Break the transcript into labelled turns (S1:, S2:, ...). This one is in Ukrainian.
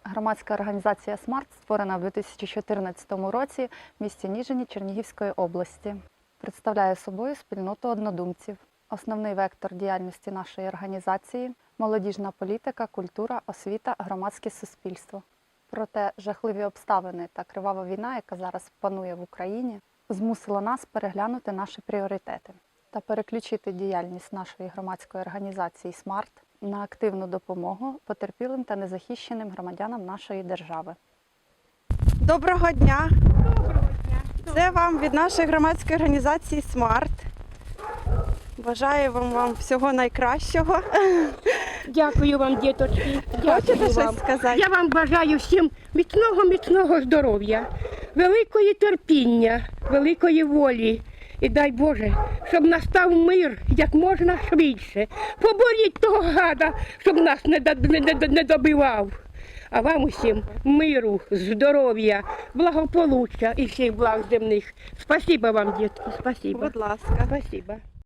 S1: Громадська організація «Смарт» створена в 2014 році в місті Ніжині Чернігівської області. Представляє собою спільноту однодумців. Основний вектор діяльності нашої організації – молодіжна політика, культура, освіта, громадське суспільство. Проте жахливі обставини та кривава війна, яка зараз панує в Україні, змусила нас переглянути наші пріоритети та переключити діяльність нашої громадської організації «Смарт» на активну допомогу потерпілим та незахищеним громадянам нашої держави.
S2: Доброго дня! Це вам від нашої громадської організації «Смарт». Бажаю вам всього найкращого.
S3: Дякую вам, діточки.
S2: Хочете
S3: Дякую вам.
S2: щось сказати?
S3: Я вам бажаю всім міцного здоров'я, великої терпіння, великої волі. І дай Боже, щоб настав мир як можна швидше. Поборіть того гада, щоб нас не добивав. А вам усім миру, здоров'я, благополуччя і всіх благ земних. Спасибо вам, дітки, спасибо.
S2: Будь ласка.
S3: Спасибо.